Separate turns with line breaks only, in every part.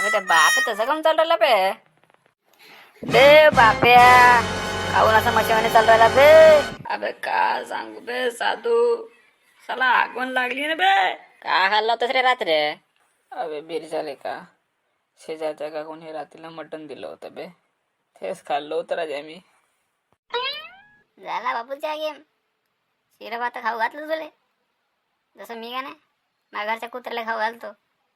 अबे त्या बाप तसं काम चालू राहिला बे. बे बाप्या काहून असं मशीमध्ये चालू राहिला बे. अबे का सांगू बे साधू, साला आगवण लागली ना बे. का खाल्ला होतस रे रात्री? अबे बीर झाले का शेजारच्या का कोणी रात्रीला मटण दिलं होतं बे, तेच खाल्लं होतं राजा मी.
झाला बापूच्या गेम. शिरा भात खाऊ घातलं तुले, जसं मी का नाही माझ्या घरच्या कुत्र्याला खाऊ घालतो.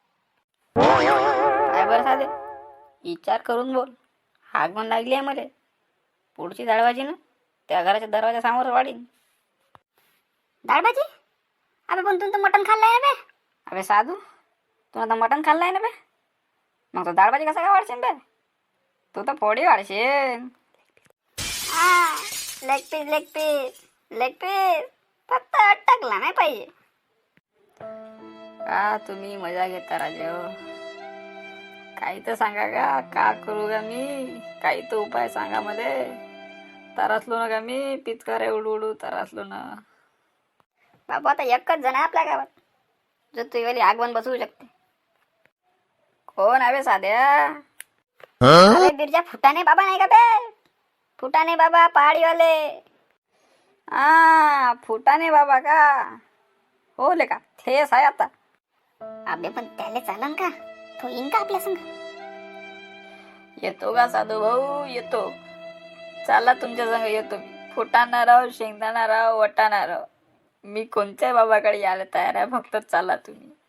काय बरं साधे, विचार करून बोल. आगमन लागली आहे मला. पुढची दाळवाजी ना त्या घराच्या दरवाजा समोर वाढीन.
डाळभाजी? अबे पण तू तर मटण खाल्लंय ना बे.
अबे साधू, तू आता मटण खाल्लंय ना बे, मग तो दाळभाजी कसा काय वाढशील बे? तू तर पोळी वाढशील.
हा, leg piece leg piece leg piece, फक्त अटकला नाही पाहिजे.
का तुम्ही मजा घेता राजे हो? काही तर सांगा का करू का मी? काही तर उपाय सांगा मध्ये. तरासलो ना का मी, पिचकारे उडू उडू तरासलो ना.
बाबू आता एकच जण आहे आपल्या गावात जो तुझीवाली आगवण बसवू शकते.
कोण आहे बे साध्या?
अरे बिरजा फुटाणे बाबा नाही का बे? फुटाणे बाबा पहाडीवाले.
फुटाणे बाबा का? हो ले का थेस आहे आता.
अबे पण त्याला चालन का? तो येईन का आपल्या संग?
येतो का साधू भाऊ? येतो. चला तुमच्या संग येतो मी. फुटाणा राव, शेंगदाणा राव, वटाणा राव, मी कोणत्याही बाबाकडे यायला तयार आहे. फक्त चला तुम्ही.